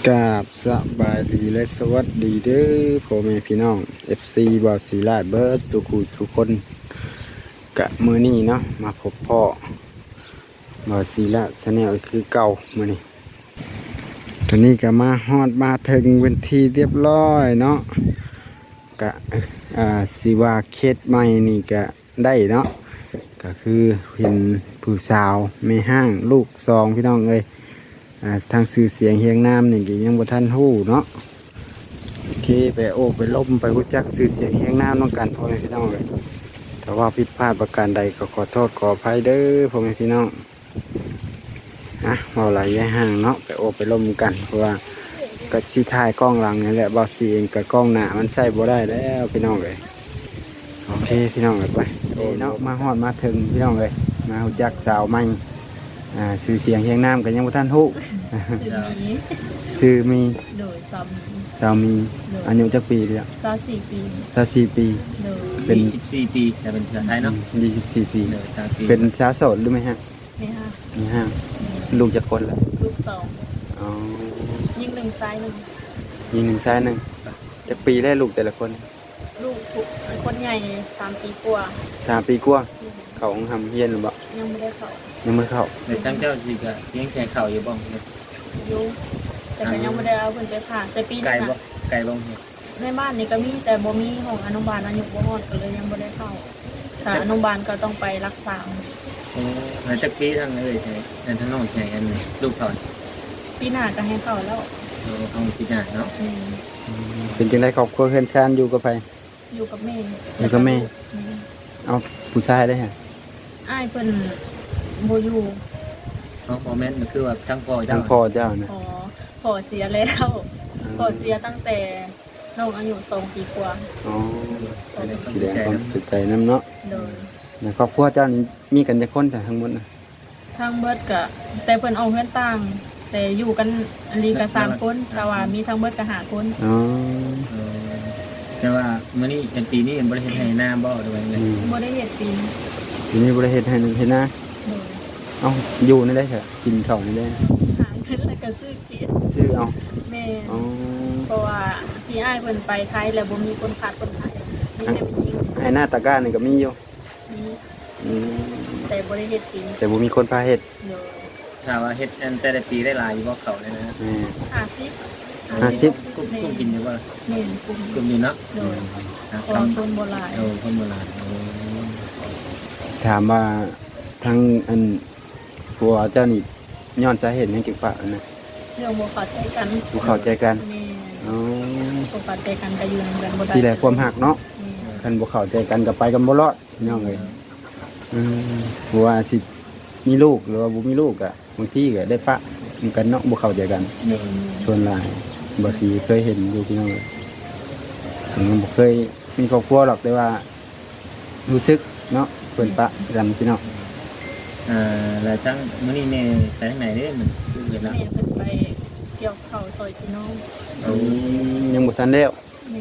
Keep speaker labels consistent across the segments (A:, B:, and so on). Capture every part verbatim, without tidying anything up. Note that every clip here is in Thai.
A: กราบสบายดีและสวัสดีเด้อพ่อแม่พี่น้อง เอฟ ซี บอสศิลาเบิร์ดสุขุสุคนกะมือนี้เนาะมาพบพ่อบอสศิลาชาแนลคือเก่ามือนี้ตอนนี้ก็มาฮอดมาถึงเวนทีเรียบร้อยเนาะกะอ่าสิว่าเคสใหม่นี่กะได้เนาะก็คือเห็นผู้สาวไม่ห้างลูกสองพี่น้องเอ้ยทางสื่อเสียงเฮียงน้ำนี่ก็ยังบ่ทันหู้เนาะโอเคไปโอ้ไปล้มไปรู้จักสื่อเสียงเฮียงน้ำน้องกันพ่อแม่พี่น้องเลยแต่ว่าผิดพลาดประการใดก็ขอโทษขออภัยเด้อพ่อแม่พี่น้องฮะเบาไหลแย่ห่างเนาะไปโอ้ไปล้มกันเพราะว่าก็ชี้ท้ายกล้องหลังนี่แหละเบาสีเองกับกล้องหน้ามันใช้บ่ได้แล้วพี่น้องเลยโอเคพี่น้องเลยไปเนาะมาฮอดมาถึงพี่น้องเลยมารู้จักสาวใหม่อ่าสื่อเสียงเฮียงน้ำกันยังบ่ทันหู้ชื่อมี
B: โดยสามี
A: สามีอายุจักปีเดียว
B: สามสี่ปี
A: สามสี่ปี
B: โดย
A: เป็น
C: สิบสี่ปีแต่เป็นภาษาไทยเนาะ
A: ยี่สิบสี่ปี
C: เนอสามปี
A: เป็นสาวโสดหรือไม่ฮะ
B: ไม่ฮะ
A: มีห้างลูกจะคนละ
B: ลูกสอง
A: อ๋อ
B: ยิ่งหนึ่งซ้ายหนึ่ง
A: ยิงหนึ่งซ้ายหนึ่งจักปีได้ลูกแต่ละคน
B: ลูกคนใหญ่สามปีกว่า
A: สามปีกว่าเขาทำเฮียนหรือเปล่า
B: ยังไม่ได้เข้า
A: ยังไม่เข้า
C: ในตั้งเจ้าสิกะยังแชร์ข่าวอยู่บ้าง
B: อยู่แต่ก็ยังไม่ได้เอาเพิ่นไปผ่าแต่ปีนี้นะ
C: ไกลบ้าง
B: ในบ้านนี่ก็มีแต่บ่มีของอนุบาลอายุบ่ฮอดก็เลยยังไม่ได้เข้าถ้าอนุบาลก็ต้องไปรักษา
C: โอ้ในจักปีทั้งเลยใช่ในทั้งน้องแชร์กันเลยลูกเขา
B: ปีหน้าก็ให้เข้าแล้ว
C: เราต้องพิจารณาเนาะ
A: เป็นจังไดครอบครัวเฮือนชานอยู่กับใคร
B: อยู่กับแม่
A: อยู่กับแม่เอาผู้ชายได้ฮะ
B: อ้ายเพิ่นบ่อยู่
C: น้องพ่อแม่มันคือว่าทั้งพ่อเจ้า
A: ทั้งพ่อเจ้านะ
B: อ๋อพ่อเสียแล้วพ่อเสียตั้งแต่น้องอายุสองปีกว่า
A: อ๋อแสดงความเสียใจนำเนาะ
B: โดย
A: ในครอบครัวเจ้านี่มีกันจักคนแต่ทั้งหมดนะ
B: ทั้งเบิดก็แต่เพิ่นเอาเฮือนต่างแต่อยู่กันอันนี้ก็สามคนแต่ว่ามีทั้งเบิดก็ห้าคน
A: อ๋อ
C: แต่ว่ามื้อนี้เป็นปีนี้บ่ได้เฮ็ดให้หน้าบ่ด้วยเลย
B: บ่ได้เฮ็ดปีนี้
A: ปีนี้บ่ได้เฮ็ดให้เฮ็ดนะเอ้าอยู่นี่ได้เถอะกินข้าวนี่ได้
B: หาเงินแล้วก็ซื้อกิน
A: ซื้อเอา
B: แม่อ๋อเพราะว่าที่อ้ายเพิ่นไปไทยแล้วบ่มีคนขาดคนขายมีแต่ผู้หญิง
A: ให้หน้าตะกร้านี่ก็มีอยู่
B: มีอืมแต่บ่ได้เฮ็ดปี
A: แต่บ่มีคนพาเฮ็ด
C: ถ้าว่าเฮ็ดอันแต่ละปีได้หลายอยู่บ่เขาเลยนะ
A: อืม
B: ห้าสิบ
A: ห้าสิบ
C: กุ้งกุ้งกินอยู่บ่
B: แม่นกุ้ง
C: กุ้งอยู่เนาะ
B: โดยคนโบราณ
C: เออคนโบราณ
A: ถามว่าทั้งอันผัวเจ้านี่ย้อนสาเหตุหยังจึงฝากนะ
B: เรื่องบ่เข้าใจกัน
A: บ่เข้าใจกัน
B: อ๋อบ่เข้าใจกันก็อยู่นำกันบ่ได้
A: สิแลความฮักเนาะคันบ่เข้าใจกันก็ไปกันบ่รอดพี่น้องเอ้ยอืมผัวสิมีลูกหรือว่าบ่มีลูกอ่ะบางทีก็ได้ปะกันเนาะบ่เข้าใจกันส่วนหลายบ่สิเคยเห็นอยู่พี่น้องเอ้ยผมบ่เคยมีครอบครัวหรอกแต่ว่ารู้สึกเนาะเพิ่นปะกันพี่น้อง
C: อ่าแล้วจังมื้อนี้แม่ไปทางไหนเด้มันคือเฮ็ดแล้ว
B: แม่เพิ่นไปเกี่ยวข้าวซอยพี่น้อง
A: อืมยังบ่ทันแล้ว
B: แม่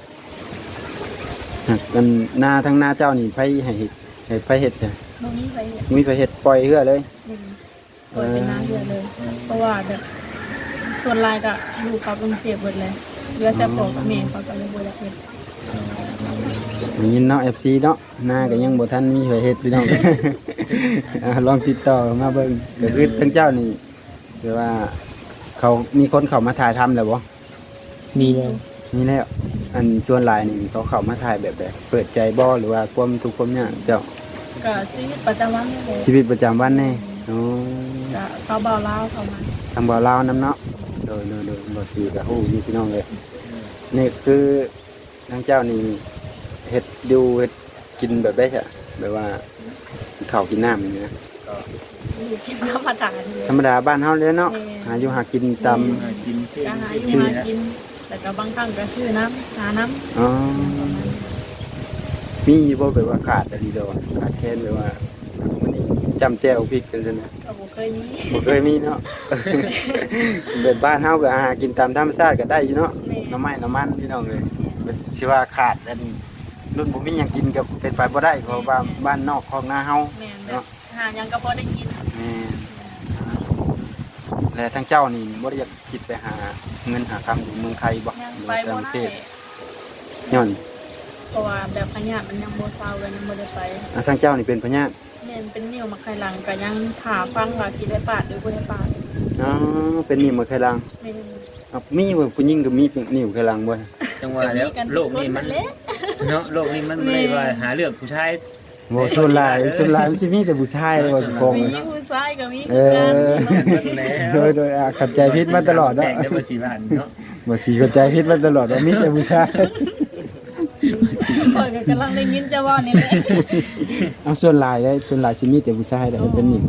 A: กันหน้าทั้งหน้าเจ้านี่ไผให้เฮ็ดให้ไผเฮ็ดจ้ะ
B: บ่มีไผเฮ็ด
A: มีไผเฮ็ดปล่อยเหือเลย
B: ปล่อยเป็นน้าเหือเลยเพราะว่าแบบส่วนหลายก็อยู่กับกรุงเทพเบิดเลยเหลือแต่พ่อกับแม่เขาก็เลยบ่อยากเฮ็ด
A: อย่างนี้เนาะ เอฟ ซี เนาะหน้าก็ยังบ่ทันมีไผเฮ็ดพี่น้อง ลองติดต่อมาเบิ่งก็คือทั้งเจ้านี่คือว่าเขามีคนเข้ามาถ่ายทำแล้วบ่
C: มีแล้ว
A: มีแล้วอันส่วนหลายนี่เขาเข้ามาถ่ายแบบแบบเปิดใจบ่หรือว่าความทุกข์ความยากเจ้า
B: ก็ชีวิตประจำวันนี่เลย
A: ชีวิตประจำวันนี่อ๋อ
B: ก็เขาบ่าวลาวเข้ามา
A: ทางบ่าวลาวนำเนาะโดยๆๆบ่สิก็ฮู้อยู่พี่น้องเลยนี่คือทางเจ้านี่เฮ็ดดูเฮ็ดกินแบบได้ใช่แบบว่าข้าวกินน้ำอย่างนี้นะ
B: ก็กินธรรมดา
A: ธรรมดาบ้านเฮาเลยเนาะหาอยู่หากินตาม
C: กิน
B: ก็หาอยู่หากินแต่ก็บางครั้งก็ซื้อน้ำหาน้ำ
A: อ๋อมีบ่แบบว่าขาดอะไรเด้อขาดแคลนแบบว่ามื้อนี้จำแจ่วพริกกันซั่นนะ
B: ก็บ่เคยมี
A: บ่เคยมีเนาะแบบบ้านเฮาก็หากินตามธรรมชาติก็ได้อยู่เนาะน้ำไม้น้ำมันพี่น้องเอ้ยสิว่าขาดอันรุ่นบ่มีหยังกินก็เป็นไปบ่ได้เพราะว่าบ้านนอกของนาเฮา
B: เนาะหาหยังก็พอได้กิน
A: แม่นแล้วทั้งเจ้านี่บ่ได้อยากคิดไปหาเงินหาคำอยู่เมืองไทยบ่
B: ยัง
A: หรือ
B: ไป
A: ว่า
B: บ่
A: ต่างประ
B: ได้
A: เทศย้อน
B: เพราะว่าแบบพญามันยังบ่เศร้าเลยยังบ่ได้ไป
A: อ่ะทางเจ้านี่เป็นพญาติ
B: แม่นเป็นนิ้วมาไข่หลังก็ยังถาฟังว่าสิได้ปาดหรือบ่ได้ปาด
A: อ๋อเป็นนิ่วมาไคลัง
B: แม่น
A: อ่ะมีบ่ผู้หญิงก็มีนิ่วไคลังบ่
C: จังว่าแล้วโลกนี้มัน
B: เละ
C: เนาะโลกนี้มันไม่ได้ว่าหาเลือกผู้ชาย
A: บ่ส่วนหลายส่วนหลายมันสิมีแต่ผู้ชายเลยว่าคง
B: มีผู้ชายก็มี
A: เอ
B: คือกัน
A: อ โดยโดยอ่ะเข้าใจผิดมาตลอด
C: แต
A: เนาะ
C: กได้บ่สี่ล้านเนาะ
A: บ่สิเข้าใจผิดมาตลอดว่ามีแต่ผู้ชาย
B: ข่อยก็กำลังได้ยินเจ้าว่านี่แหละ
A: เอาส่วนหลายได้ส่วนหลายสิมีแต่ผู้ชายแต่เป็นนิ่ว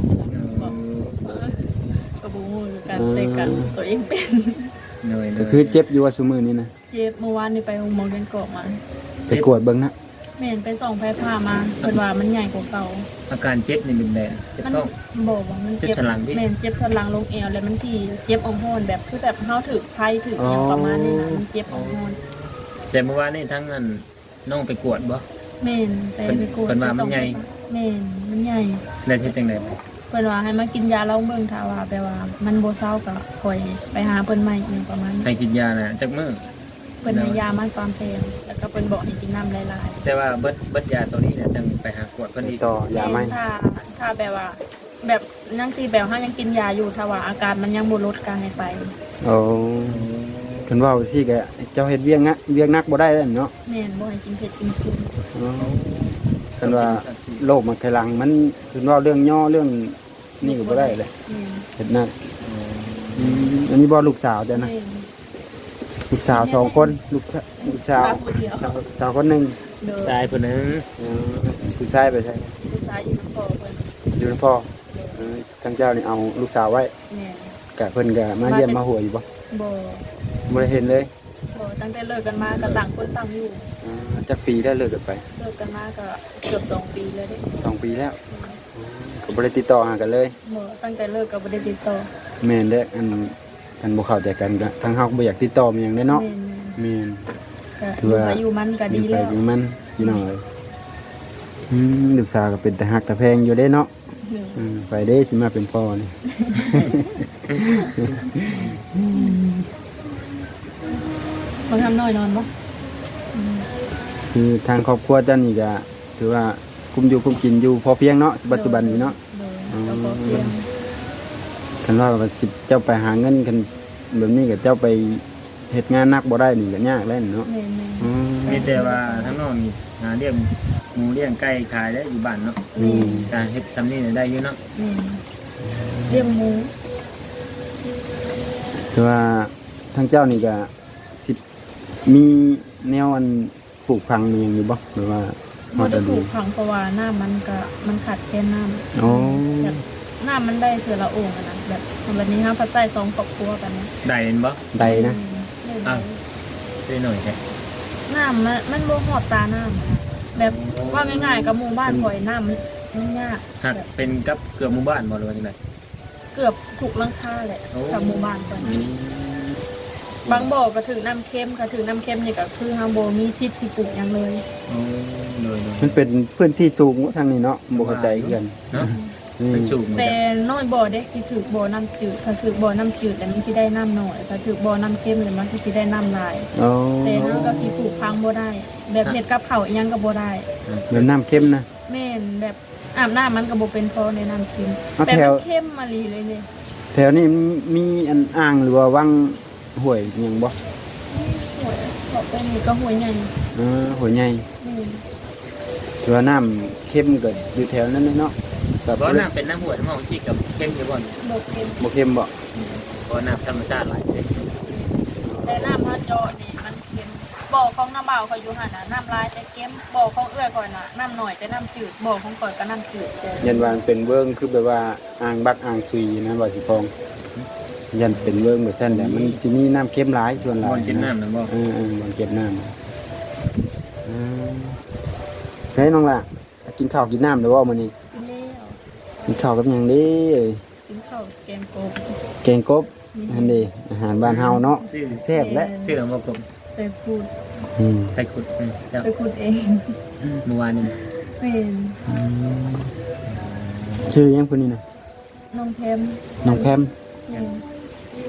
B: ก็บ่ฮู้คือกันแต่กันตัวเองเป็น
C: หน่อย
A: ก็คือเจ็บอยู่ว่าซุมื้อนี้นะ
B: เจ็บเมื่อวานนี่ไปโรงพยาบาลกันเกาะมา
A: ไปกวดเบิ่งนะ
B: แม่นไปส่องแพทย์พามาเพิ่นว่ามันใหญ่กว่าเก่า
C: อาการเจ็บนี่เป็นแบบเจ็บ
B: มัน
C: ท้อง
B: บอกว่ามัน
C: เจ็บสันหลังพี่
B: แม่นเจ็บสันหลังลงเอวแล้วมันที่เจ็บอ่องโหนแบบคือแบบเฮาถือไผถืออหยังประมาณนี้นะมันเจ็บอ่องโหน
C: แต่เมื่อวานนี่ทั้งนั้นน้องไปกวดบ่
B: แม่นไปไปกวด
C: เพิ่นว่ามันใหญ่
B: แม่นมันใหญ่
C: ได้เฮ็ดจังได๋
B: เพิ่นว่าให้มากินยาเล่าเมืองถ้าว่าแปลว่ามันบ่เศร้าก็ค่อยไปหาเพิ่นใหม่อหยังประมาณนี้
C: ให้กินยาน่ะจักมื้อ
B: เพิ่นให้ยามาซ้อมแทนแล้วก็เพิ่นบอกให้กินน้ำหลาย
C: แต่ว่าเบิดเบิดยาตัวนี้เนี่ยจังไปหากวดเพิ่น
A: ติ
C: อี
A: ด
C: ก
A: ต่อ
B: ๆ
A: ยาไหม
B: แถ้าถ้าแบบว่า แบบยังสิแบบเฮายังกินยาอยู่ถ้าว่าอาการมันยังบ่ลดก็ให้ไป
A: โอ้คันว่าสิก็เจ้าเฮ็ดเวียงนะเวียงนักบ่ได้แล้วเนาะ
B: แม่นบ่ให้กินเผ็ดกินเค็ม
A: อ๋อคันว่าโรคมันไคลังมันคือว่าเรื่องย่อเรื่องนี่ก็บ่ได้เลย
B: แม่น
A: เฮ็ดนักอืมอันนี้บ่ลูกสาวเจ้านะ
B: แม่น
A: ลูกสาวสองคนลูกสาวลูกสาว
B: สาวผู้เดียว
A: สาวคนหนึง
B: เด้อ
C: ชายผู้หนึง
A: เออผู้ชายไปใช่
B: ผู้ชายอยู่นำพ่อเพิ่น
A: อยู่นำพ่อเออทางเจ้านี่เอาลูกสาวไว้
B: แม่น
A: กะเพิ่นก็มาเยี่ยมมาหัวอยู่บ่
B: บ่
A: บ่ได้เห็นเลย
B: บ่ตั้งแต่เลิกกันมาก็ต่างคนต่างอยู่
A: อ่าจักปีได้เลิกกันไป
B: เลิกกันมาก็เกือบสองปีแล้วเด้
A: สองปีแล้วก็บ่ได้ติดต่อหากันเลย
B: บ่ตั้งแต่เลิกก็บ่ได้ติดต่อ
A: แม่นเด้ออันอันบ่เข้าใจกันก็ทางเฮาก็บ่อยากติดต่อมันหยังเด้อเนาะ
B: แม่น
A: แม่น
B: ๆก็อยู่ไปอยู่มันก็ดี
A: ไป
B: แล้ว
A: อยู่มันพี่น้องเอ้ยอืมลูกสาวก็เป็นตาฮักตาแพงอยู่เด้เนาะอืมไปเด้สิมาเป็นพ่อนี่
B: บ่ทำน้อยนอนบ่อืม
A: คือทางครอบครัวเจ้านี่ก็ถือว่าคุมอยู่คุมกินอยู่พอเพียงเนาะปัจจุบันนี้เนาะ
B: โดยก็พอเพียง
A: คันว่าว่าสิเจ้าไปหาเงินกันแบบนี้ก็เจ้าไปเฮ็ดงานหนักบ่ได้นี่ก็ยากแล้วเนาะ
B: แม่น
A: อืม
C: มีแต่ว่าทั้งน้องนี่หาเลี้ยงหมูเลี้ยงไก่ขายได้อยู่บ้านเนาะ
B: ๆแม่น
C: การเฮ็ดซำนี้ได้อยู่เนาะ
B: แม่นเลี้ยงหมู
A: คือว่าทางเจ้านี่ก็สิมีแนวอันปลูกพังมีหยังอยู่บ่หรือว่าฮ
B: บ่
A: อด
B: ได้
A: ฤ
B: ปลู
A: ดู
B: กผังเพราะว่าน้ำมันก็มันขาดแคลนน้ำ
A: อ๋อ
B: แบบน้ำมันได้เทื่อละโอ่งอะนะแบบวันนี้เฮาพัดใส่สองครอบครัวกันนะ
C: ได้เห็นบ่
A: ใดนะ
B: ได้
C: อ้าว ได้หน่อยแท้
B: น้ำมันมันบ่ฮอดตาน้ำอะนะแบบว่าง่ายๆกับหมู่บ้านข่อยน้ำมันมันยาก
C: หักเป็นกับเกือบหมู่บ้านบ่หรือว่าจังได๋
B: เกือบถูกหลังคาแหละ
C: โอ้
B: กับหมู่บ้านข่อย
C: อืม
B: บางบ่อก็ถือน้ำเค็มก็ถือน้ำเค็มนี่ก็คือเฮาบ่มีสิทธิ์ที่ปลูกหยังเลย
C: โอ้โดย
A: มันเป็นพื้นที่สูงทางนี้เนาะบ่เข้าใจคือกัน
C: ๆเนาะ
A: อืม
C: เป็นสูงเหมือน
B: แต่
C: กัน
B: น้อยบ่อเด็กที่ถือบ่อน้ำจืดถ้าถือบ่อน้ำจืดแต่มันสิได้น้ำน้อยถ้าถือบ่อน้ำเค็มเนี่ยมันสิได้น้ำหลาย
A: อ๋อ
B: แต่เฮาก็สิปลูกพังบ่ได้ แบบเฮ็ดกับข้าวอีหยังก็บ่ได้
A: แบบน้ำเข้มนะ
B: แม่นแบบอาบน้ำมันก็บ่เป็นพอในน้ำเค็ม
A: เอา
B: แต่
A: แถ
B: มั
A: ว
B: นเค็มมาลีเลยเนี่ย
A: แถวนี้มีอันอ่างหรือว่าวังห้วยหยังบ่
B: หวยบอกไปนี่ก็หวยใหญ่
A: อ่าห้วยใหญ่
B: อืม
A: ถือว่าน้ำเข้มก็อยู่แถวนั้นเลยเนาะก็
C: บ่น้ำเป็นน้ำห้วยน้ำหองที่กับเข้มอยู่บ่
B: บ่เค็ม
A: บ่เข้มบ่
C: บ่น้ำธรรมชาติหลายเด้
B: แต่น้ำพระเจาะนี่มันเค็มบ่อของน้ำบ่าวเขาอยู่หั่นน่ะน้ำลายแต่เค็มบ่อของเอื้อยข่อยน่ะน้ำน้อยแต่น้ำจืดบ่อของข่อยก็น้ำจืดแต่
A: ยันว่ามันเป็นเวิ้งคือแบบว่าอ่างบักอ่างซุยนะว่าสิพองยันเป็นเวิ้งแบบนั้นแหละมันสิมีน้ำเข้มหลายส่วนหลาย
C: บ่กินน้ำนั่นบ่
A: เออเออมันเก็บน้ำอืมเฮ้ยน้องล่ะกินข้าวกินน้ำเดี๋ยวว่ามื้อนี้
B: กินแล้ว
A: กินข้าวกับหยังเดีเอ้ย
B: กินข้าวแกงกบ
A: แกงกบอันนี้อาหารบ้านเฮาเนาะ
C: ชื่อ
A: แซ่บและ
C: ชื่อบ่กบ
B: ไปพูด
A: อืม
C: ไทยขุดอืมเจ้า
B: ไปพูดเอง
C: เมื่อวานนี้
B: เป็น
A: ชื่อหยังพุ่นนี่นะ
B: น้องแพม
A: น้องแพม
B: อืม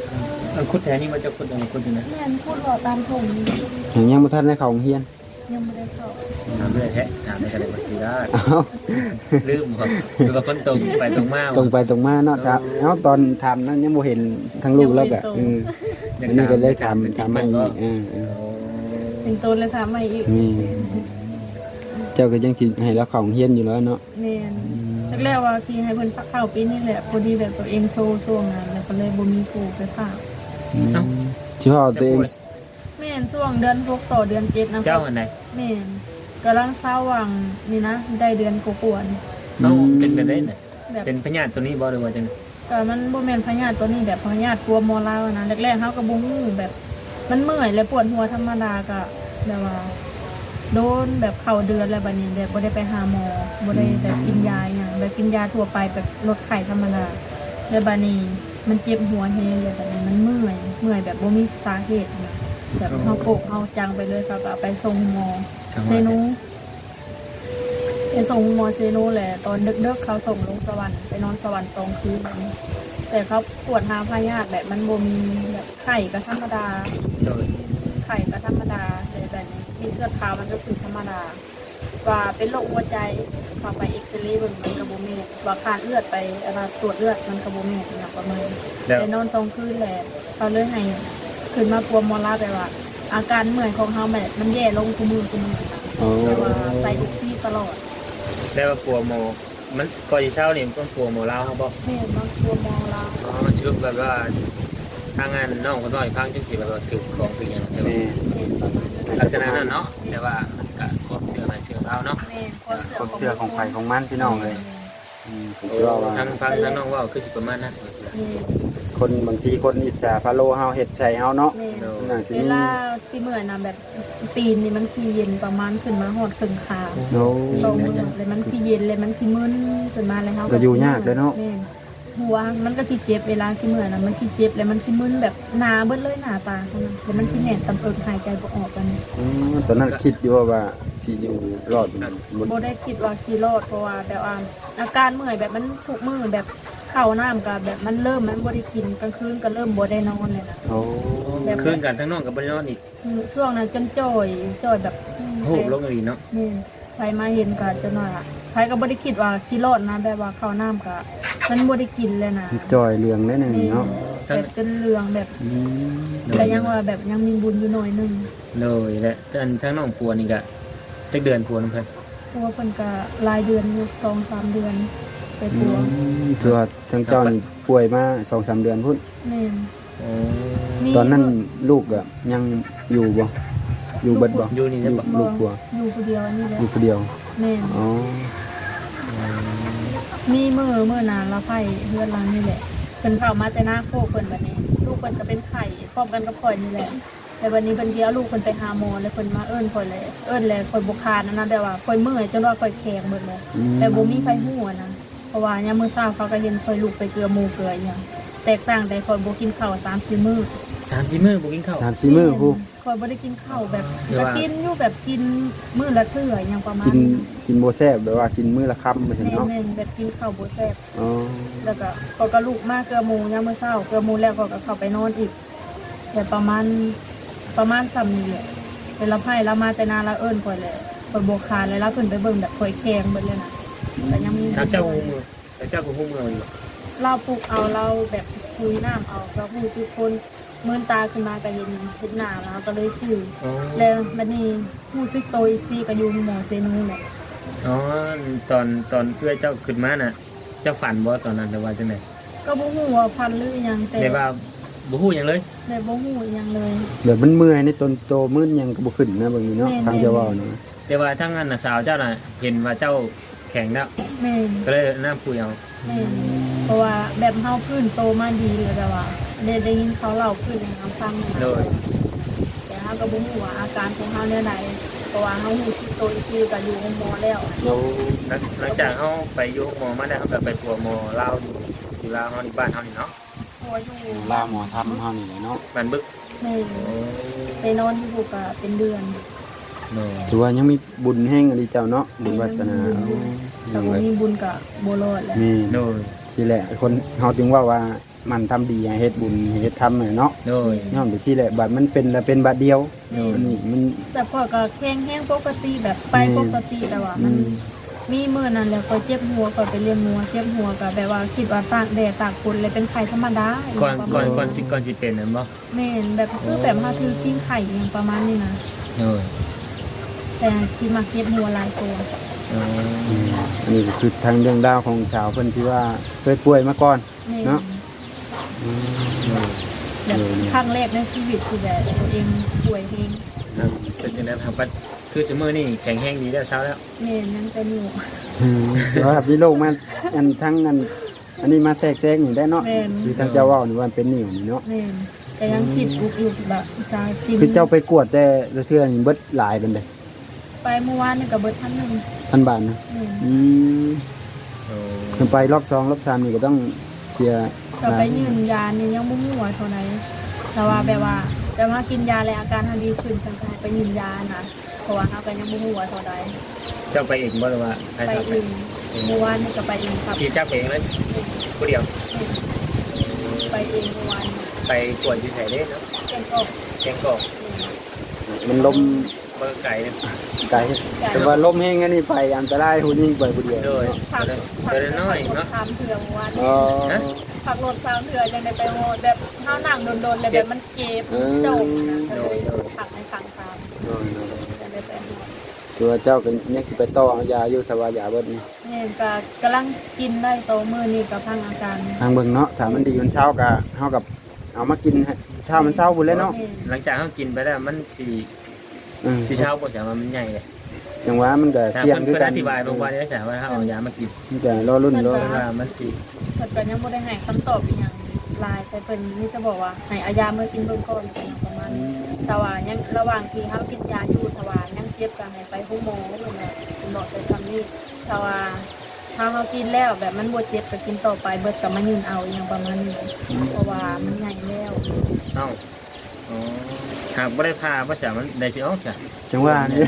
C: เอาคุดแถวนี้มันจะคุดอะไรคุดอยู่นะ
B: แม่นพูดหล่อตามผม
A: อย่างยังบ่ทันได้เข้าโรงเรียน
B: ยังไม่ได้เข้า
C: ถามไม่ได้แท้ถามไม่ได้ก็สิได้
A: เอ้า
C: ลืมครับคือว่าคนตรงไปตรงมา
A: ตรงไปตรงมาเนาะครับเอ้าตอนทำนั้นยังบ่เห็นทั้งลูกแล้วก็เอออันนี้ก็เลยทำทำให้อีกเออเออ
B: เป็นตัวเลยถามมาอีก
A: นี่เจ้าก็ยังสิให้เราเข้าโรงเรียนอยู่แล้วเนาะ
B: แม่นแรกๆว่าที่ให้เพิ่นสักเข้าปีนี้แหละพอดีแบบตัวเองโซช่วงนั้นแล้วก็เลยบ่มีครูไปฝาก
A: อืมสิว่าตัวเอง
B: แม่นช่วงเดือนหกต่อเดือนเจ็ดนะ
C: เจ้าอันไหน
B: แม่นกำลังเศร้าหวังนี่นะได้เดือนกว่าๆนี่
C: เอาเป็นแบบนี้น่ะ
B: แบบ
C: เป็นพญาติตัวนี้บ่หรือว่าจัง
B: แต่มันบ่แม่นพยาธิตัวนี้แบบพยาธิกลัวมอลาวนะแรกๆเฮาก็บ่ฮู้แบบ มันเมื่อยและปวดหัวธรรมดาก็แบบว่า โดนแบบเข้าเดือนแล้วบัดนี้แบบบ่ได้ไปหาหมอบ่ได้แบบกินยาหยังแบบกินยาทั่วไปแบบลดไข้ธรรมดาแล้วบัดนี้มันเจ็บหัวแฮงแบบนี้มันเมื่อยเมื่อยแบบบ่มีสาเหตุนะแบบเฮาโกกเฮาจังไปเลยเขาก็เอาไปส่งหมอ
C: ช่าง
B: เซ
C: ว่า
B: นูไปส่งหมอเซนูแหละตอนดึกๆเขาส่งลงสวรรค์ไปนอนสวรรค์ตรงคืนแบบนี้แต่เขาปวดหาพยาธิแบบมันบ่มีแบบไข้ก็ธรรมดา
C: โดย
B: ไข่ก็ธรรมดาแต่แบบนี้มีเสื้อขาวมันก็คือธรรมดา ว่าเป็นโรคหัวใจพอไปเอ็กซเรย์เบิ่งมันกระโบเมตว่าขาดเลือดไปอะไรตรวจเลือดมันกระโบเมตอย่างประมาณนี้
C: แล้ว
B: ไปนอนตรงคืนแหละเขาเลยให้ขึ้นมาปัวมอลาไปว่า อาการเมื่อยของเขาแบบมันแย่ลงทุกมือทุกมือนะ
A: โอ้
B: แต่ว่าใส่ทุกที่ตลอด
C: แล้วว่าปัวโมมันก่อนสิเช้านี่มันต้องปัวโมลาวเฮาบ่
B: แม่บางปัวมอลา
C: อ๋อมันชื่อแบบว่าทางงานน้องคนน้อยฟังจังสิแบบว่าถือของถือหยังแต่ว่า
A: แม่
B: แม่ประมาณนั้น
C: ลักษณะนั้นเนาะแต่ว่ามันก็ความเชื่อมันเชื่อเราเนาะ
B: แม่
A: ความเชื่อของไผของมันพี่น้องเลยอืมผมเชื่อว่า
C: ทางฟังทางน้องว่าคือสิประมาณนั้น
B: แม่
A: คนบางทีคนอิจฉาพะโลเฮาเฮ็ดใส่เฮาเนาะ
B: แม่
A: น่าสิ
B: เว
A: มี
B: ลาที่เมื่อยนะแบบปีนนี่มันขี้เย็นประมาณขึ้นมาหอดครึ่งขา
A: โอ้
B: ตรงมือเลยมันขี้เย็นเลยมันขี้มึนขึ้นมาเลยเขา
A: ก็อยู่ยากเลยเนาะ
B: แม่หัวมันก็ขี้เจ็บเวลาขี้เมื่อยนะมันขี้เจ็บเลยมันขี้มึนแบบหนาเบิ้เลยหนาตาเขานะแล้วมันขี้แหนตำเอิกหายใจบ่ออกกัน
A: อืมตอนนั้นคิดอยู่ว่าสิอยู่รอดบ่
B: โบได้คิดว่าขี้รอดเพราะว่าแบบว่าอาการเมื่อยแบบมันทุกมือแบบเข้าน้ำกับแบบมันเริ่มมันบ่ได้กินกลางคืนก็เริ่มบ่ได้นอนเลยนะ
A: โอ้
C: คืนกันทั้งน้องกับบริโนอนอีก
B: ช่วงนั้นจนจ่อยจ่อยแบบ
C: โหบลงอีเนาะ
B: นี่ใครมาเห็นก็จะหน่อยอ่ะใครก็บ่ได้คิดว่าขี้รอดนะแบบว่าเข้าน้ำก็มันบ่ได้กินเลยนะ
A: จอยเรืองได้หนึงเนาะ
B: แบบเป็นเรืองแบบ
A: อืม
B: แต่ยังว่าแบบยังมีบุญอยู่หน่อยหนึง
C: เลยและอันทั้งน้องปัวนี่ก็จักเดือนปัวน้ำเพิ่น
B: เพราะว่าเพิ่นก็รายเดือนอยู่สองสามเดือนไป
A: อื
B: ปัว
A: มถือว่าทั้งเจ้านี่ป่วยมา สองสาม เดือนพุ่น
B: แม่น
C: โอ้
B: มี
A: ตอนนั้นลูกอะยังอยู่บ่อยู่เบิดบ่
C: อยู่นี่
A: อ
C: จะ
A: ยู่
C: บอก
A: ลูกปัว
B: อยู่คนเดียวอันนี้แหละ
A: อยู่คนเดียว
B: แม่น
A: อ๋อ
B: มีมื้อมื้อนานละไผเฮือนหลังนี่แหละเพิ่นเข้ามาแต่หน้าโคกเพิ่นบัดนี้ ลูกเพิ่นก็เป็นไข้พร้อมกันกับข่อยนี่แหละ แต่วันนี้เพิ่นสิเอาลูกเพิ่นไปหาหมอแล้วเพิ่นมาเอิ้นข่อยเลยเอิ้นแล้วข่อยบ่คานนั่นนะแบบว่าข่อยเมื่อยจนว่าข่อยแข็งหมดเลย
A: อืม
B: แต่บ่มีไผฮู้อะนะเพราะว่ายามมื้อเช้าเขาก็เห็นข่อยลูกไปเกลือหมูเกลืออีหยังแตกต่างแต่ข่อยบ่กินข้าวสามสี่มื้อ
C: สามสี่มื้อบ่กินข้าว
A: สามสี่มื้อผู้
B: ข่อยบ่ได้กินข้าวแบบ
C: หรือ
B: ก็
C: ว่า
B: กินอยู่แบบกินมื้อละเทื่ออหยังประมาณ
A: กิน
B: นั้น
A: กินบ่แซ่บแบบว่ากินมื้อละคำไปซั่นเนาะ
B: แม่นๆแบบกินข้าวบ่แซ่บ
A: อ๋อ
B: แล้วก็ข่อยก็ลูกมาเกลือหมูยามมื้อเช้าเกลือหมูแล้วข่อยก็เข้าไปนอนอีกแต่ประมาณประมาณซ้ำนี่แหละเวลาไผเรามาแต่นาละเอิ้นข่อยแหละข่อยบ่คานเลยแล้วเพิ่นไปเบิ่งแบบข่อยแข็งเบิดเลยนะแต่ยังมี
C: ทางเจ้าหูมือทางเจ้าก็หูมืออยู่
B: เราปลูกเอาเราแบบคุยน้ำเอาเราพูดทุกคนเมื่อตาขึ้นมาก็เห็นเห็นหน้าแล้วก็เลยจืด
C: อ๋อ
B: แล้วมันนี่ผู้ซึกโตอีกทีก็อยู่หมอเซนูแหละ
C: อ๋อตอนตอนเพื่อเจ้าขึ้นมาน่ะ เจ้าฝันบ่ตอนนั้นหรือว่าจังได๋
B: ก็บ่ฮู้ว่าพันหรือหยังแต่
C: ได้ว่าบ่ฮู้หยังเลย
B: แต่บ่ฮู้หยังเลย
A: เดี๋ยวมันเมื่อยในตนโตมื้อยังก็บ่ขึ้นนะเบิ่งนี่เนาะ
B: แม่น
A: ทางเจ้าเว้านะ
C: แต่ว่าทั้งนั้นน่ะสาวเจ้าน่ะเห็นว่าเจ้าแข็งแล้ว
B: แม่น
C: ก็เลยน้ำปุยเอา
B: แม่นเพราะว่าแบบเฮาพื้นโตมาดีเลยแต่ว่าได้ได้ยินเขาเล่าพื้นให้เฮาฟังนะ
C: โดย
B: แต่เฮาก็บ่ฮู้ว่าอาการของเฮาแนวใดเพราะว่าเฮาฮู้ซึกโตอีกทีก็อยู่โรงหมอแล้ว
A: เรา
C: หลังหลังจากเฮาไปอยู่หมอมาได้เฮาก็ไปปัวหมอลาวอยู่อยู่ลาวเฮาที่บ้านเฮานี่เนาะ
B: เพราะว่าอยู่
A: ลาหมอทำเฮานี่แหละเนาะ
C: บ้านบึก
B: แม่นไปนอนอยู่ก็เป็นเดือน
C: โดย
A: ถือว่ายังมีบุญแห่งอดีเจ้าเนาะบุญวาสนาเอา
B: แต่บ่มีบุญกับบ่รอดแหละ
A: นี่
C: โดย
A: ทีทีแหละคนเฮาจึงว่าว่ามันทำดีให้เฮ็ดบุญให้เฮ็ดทำเนาะ
C: โดย
A: ย้อนไปที่แหละบัดมันเป็นแล้วเป็นบัดเดียว
C: โดย
A: อันนี้มัน
B: แต่พอก็แข็งแห้งปกติแบบไปปกติแต่ว่า
A: อื
B: มัน
A: ม
B: มีมื้อนั้นแล้วก็เจ็บหัวก็ไปเลี้ยงหัวเจ็บหัวก็แบบว่าคิดว่าตากแดดตากฝนเลยเป็นไข้ธรรมดา
C: ก่อนก่อน
B: ประมาณ
C: ก่อนสิก่อนสิเป็นนั่นบ่
B: แม่นแบบคือแบบมาถือกินไข่อย่างประมาณนี้นะ
C: โดย
B: แต่ที่มาเจ็บหัวหลายตัว
C: อ๋อ
A: อืมอันนี้ก็คือทางเรื่องราวของชาวเพิ่นที่ว่าเคยป่วยมาก่อน
B: แม่น
A: เนาะ อืม
B: แบบครั้งแรกในชีวิตคือแบบตัวเองป่วยเอง
C: ครับเป็นจังได๋ครับว่าคือซุมื้อนี้แข็งแรงดีแล้วเช้าแล้ว
B: แม่นยังเป็นอยู่
A: อืมแต่ว่าพี่โลกมาอันทั้งอันอันนี้มาแทรกแซงนี่ได้เนาะ
B: แม่น
A: คือทางเจ้าเว้านี่ว่ามันเป็นนิ่วนี่เนาะ
B: แม่นแต่ยังคิดอุกอยู่แบบจะกิน
A: คือเจ้าไปกวดแต่ละเทื่อนี่เบิดหลายเป็นได
B: ไปเมื่อวานนี่กับเบิร์ดพันหนึ่ง
A: พันบาทนะ
B: แม่น
A: อืม
C: โอ้
A: คือไปรอบสองรอบสามนี่ก็ต้องเสีย
B: ก็ไปยืนยานี่ยังมุ่งหัวเท่าไหร่แต่ว่าแบบว่าแต่ว่ากินยาแล้วอาการทันดีขึ้นฉันก็ให้ไปยืนยานะเพราะว่าเขาก็ยังมุ่งหัวเท่าไหร่
C: เจ้าไปเองบ่หรือว่าใคร
B: ไป
C: พาไป
B: เองเมื่อวานนี่ก็ไปเองครับ
C: ขี่จักรไปเองเลยผู้เดียว
B: ไปเองเมื่อวาน
C: ไปกวดอยู่ไสเด้เนาะ
B: เก่งก็
C: แกงกอก
A: มันลม
C: เบอร์ไก่เนี่ย
A: ไกลแต่ว่าลมแห้งอันนี้ไปอันตรายผู้นี้ไปผู้เดียว
C: โดย
B: ผัก
C: เดิน
B: ผัก
C: เดินน้อยเนาะ
B: สามเถื่อเมื่อวาน
A: อ๋อ
B: ผักรถสามเถื่อยังได้ไปโหดแบบข้าวหนังโดนๆเลยแบบมันเจ็บโจมนะก็เลยผักในทางตามยังได้ไปโหด
A: ตัวเจ้าก็ยังสิไปต่อเอายาอยู่แต่ว่ายาเบิดนี่
B: เนี่ยก็กำลังกินได้โตมือนี่กับพังอาการ
A: ทางเบิ่งเนาะถ้ามันดีมันเช้าก็เฮากับเอามากินให้ถ้ามันเช้าพุ่นเลยเนาะ
C: หลังจากเขากินไปแล้วมันสี
A: อืม
C: สีเช้าปวดจากมันใหญ่เลย
A: จังหวะมันก็
C: แต่
A: เสี่ยง
C: เพื่อน
A: คือ
C: เพื่อน
A: กั
C: อน ธิบายบางวันได้แต่ว่าถ้าเอายามากิน
A: มันก็รอรุ่นรอ
C: เพราะว่ามันสี
B: เพิ่นก็ยังบ่ได้ให้คำตอบอีหยังลายแต่เพิ่นนี่จะบอกว่าให้เอายามากินเบิ่งก่อนเป็นอย่างประมาณนี้แต่ว่ายังระหว่างที่เฮากินยาอยู่ถ้าว่ายังเจ็บก็ให้ไปห้องหมอเพิ่นน่ะเพิ่นบอกไปคำนี้ถ้าว่าถ้าเฮากินแล้วแบบมันบ่เจ็บก็กินต่อไปเบิดก็มายืนเอาอหยังประมาณนี้เพราะว่ามันใหญ่แล้ว
C: เอ้าอ๋อหากไม่ได้พาว่าจะมันได้สิออกจ้ะ
A: จังหวะนี่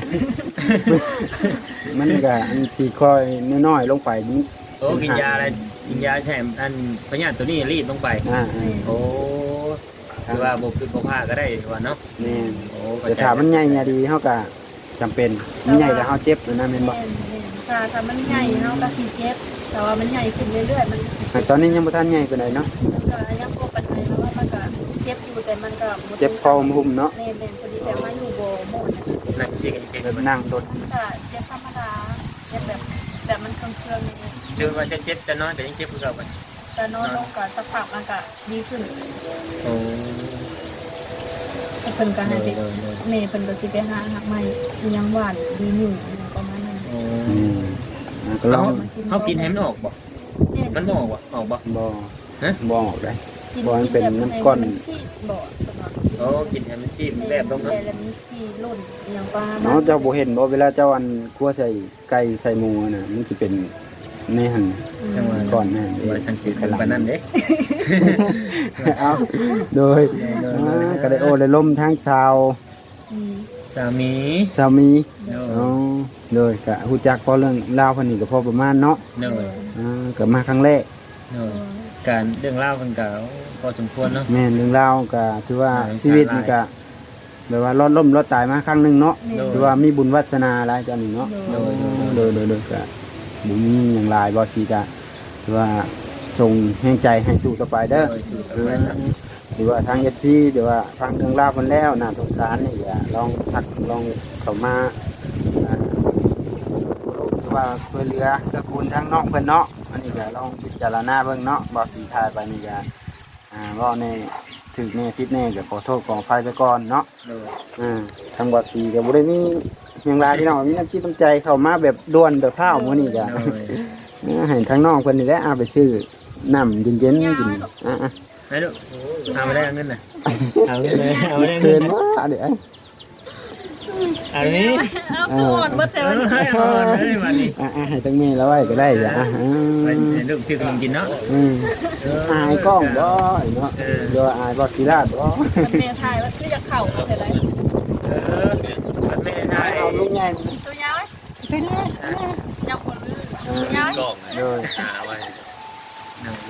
A: มันก็อันสิค่อยน้อยๆลงไปนี่
C: โอ้กินยาอะไรกินยาแช่อันพญาติตัวนี้รีบลงไป
A: อ่า
C: โอ้คือว่าบุกคือบ่พาก็ได้ว่าเนาะ
A: ๆแม่น
C: โอ้
A: แต่ถ้ามันใหญ่เนี่ยดีเฮาก็จำเป็นมันใหญ่แล้วเฮาเจ็บนั่นนะแม่นบ่
B: แม่นๆถ้าถ้ามันใหญ่เฮาก็สิเจ็บแต่ว่ามันใหญ่ขึ้นเรื่อยๆมัน
A: แต่ตอนนี้ยังบ่ทันใหญ่ปานใดเนาะ
B: ก็ยังพบปัญหาแล้วว่ามันก็เจ็บอยู่แต่มันก็
A: เจ็บคอหุ้มเนาะ
B: แม่นๆพอดีแต่ว่าอยู่บ่หมด
C: นั่งเชียกันเก่ง
A: เดินนั่งรถ
B: มันก็เจ็บธรรมดาเจ็บแบบแบบมันเครื่องๆนี่
C: เจอว่าจะเจ็บจะน้อยแต่ยังเจ็บคือเก่าไป
B: แต่นอนลงก็สักพักมันก็ดีขึ้น
C: โอ้
B: แต่เพิ่นก็ให้ไปแม่เพิ่นก็สิไปหาหักใหม่อีหยังหวานดีอยู่อหยังประมาณนั้น
C: โอ้
A: อืมอ่าก็ล
C: เขา
A: อง
C: เขากินให้มันออกบ่
B: แม่
C: มันบ่ออกบ่ออกบ่
A: บ่
C: ฮะ
A: บ่ออกได้
B: กิ
A: บ่มันเป็นน้ำก้อน
B: มัชีดบ่ตลอด
C: โอ้กินให้มันชีพแลบลงเนาะ
B: แล้วมันชีดลุ่นอหยังประมาณ
A: เนาะเจ้าบ่เห็นบ่เวลาเจ้าอันคั่วใส่ไก่ใส่หมูน่ะมันสิเป็นในหั่น
C: จังหวะ
A: ก่อนนั่น
C: บ่ได้สังเกตกันปานนั้นเด้
A: เอาโดยอ่าก็ได้โอ้ได้ล่มทั้งชาว
B: อืม
C: สามี
A: สามี
C: โด
A: อ๋อย โดยก็ฮู้จักพอเรื่องราวเพิ่นนี่ก็พอประมาณเนาะ
C: โดย
A: อ่าก็มาครั้งแรก
C: โดยการเรื่องเล่าวกันก็พอสมควรเนาะ
A: แม่นเรื่องราวก็ถือว่า
C: อ่า
A: ชีวิตนี่ก็แบบว่ารอดล่มรอดตายมาครั้งหนึงเนาะ
C: โดย
A: ถือว่ามีบุญวาสนาหลายจังนี่เนาะ
C: โดย
A: โดยโดยโดยก็บุญมีอย่างหลายบ่สิก็ถือว่าส่งแห่งใจให้สู้ต่อไปเด้อ
C: โดยสู่ต่อ
A: หรือ
C: ไป
A: ว่า
C: ครับ
A: หรือว่าทาง เอฟ ซี หรือว่าฟังเรื่องราวเพิ่นแล้วน่าสงสารนี่ก็ลองทักลองเข้ามาอ่าหรือว่าช่วยเหลือเกื้อกูลทางน้องเพิ่นเนาะอันนี้ก็ลองพิจารณาเบิ่งเนาะบ่สิทายไปนี่ก็อ่าเว้าในถึกแน่ผิดแน่ก็ขอโทษขออภัยไปก่อนเนาะ
C: โดย
A: อ่าทางบ่สีก็บ่ได้มีหยังหลายพี่น้องมีน้ำจิตน้ำใจเข้ามาแบบด่วนแบบพราวมื้อนี้ก็
C: โดย
A: อ่าให้ทางน้องเพิ่นนี่แหละเอาไปซื้อน้ำเย็นๆกินอ่าๆ
C: ให้ลูกเอาไม่ได้เอาเงินน่ะเอาเงินเลยเอาไม่ได้
A: เกิ
C: เงิ
A: น
C: น
A: ว่าเดี๋ยว
C: อันนี้
B: เอาก่อนบ่แต่
C: เอา
B: ว่า
C: ให้เอาเลยวันนี้
A: อ่ะให้ตั้งเมย์แล้วไว้ก็ได้จ้ะอ่ะอืม
C: ไปลูกซื้อขนมกินเนาะ
A: อืมอายกล้องบ่เนาะเดี๋ยวอายบ่ศิลาดบ่
B: แม่ทายว่าคือจะเข้าเอาแต่ได้
C: เออมันไม่ได้
A: เอาลูกใหญ่
B: ตัวยาวยังบ่ลืมตัวยาว
C: กล่อง
A: โดย
C: หาไว้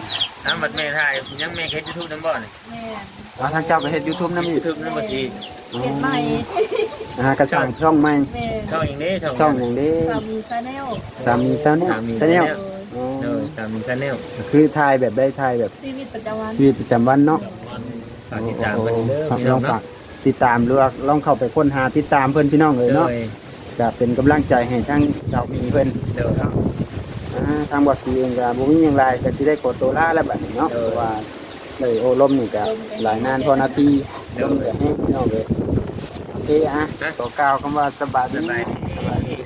C: อ้าวบัดแม่ถ่ายยังแม่เฮ็ด YouTube นำบ่นี่
B: แม่
A: อ๋อทางเจ้าก็เฮ็ด YouTube นำอีก
C: YouTube นำบ่สิ
B: เฮ็ดใหม่
A: นะฮะก็สร้างช่องใหม่
B: แม่
C: ช่องหยังเด้ช่อง
A: ช่องอย่างนี้
B: สามีชาแนล
A: สามีซาแนล
C: สามี
A: ซาแนล
C: Channel
A: อ๋อ
C: เออสามี Channel
A: คือถ่ายแบบได้ถ่ายแบบ
B: ชีวิตประจำวัน
A: ชีวิตประจำวันเนาะ
C: ฝากติดตามเพิ่นเด้อ
A: ครับ
C: พี่
A: ล
C: น้
A: อ
C: อง ง
A: ฝา
C: เนาะ
A: กติดตามหรือว่าลองเข้าไปค้นหาติดตามเพิ่นพี่น้องเลย
C: โด
A: เนาะ
C: ย
A: จะเป็นกำลังใจให้ทั้งเจ้ามีเพิ่น
C: โดย
A: อ่าทางบอสซีเองก็บ่มีหยังไรก็สิได้กดตัวล่าแล้วบัดนี้เนาะ
C: เออ
A: เพราะว่าเลยโอ้ลมนี่ก็หลายนานพอนาที
C: เออ
A: ลมก็แห้งพี่น้องเลยโอเคอ่ะขอกล่าวคำว่าสบาย
C: ส
A: ดี
C: บายดี
A: สบายดี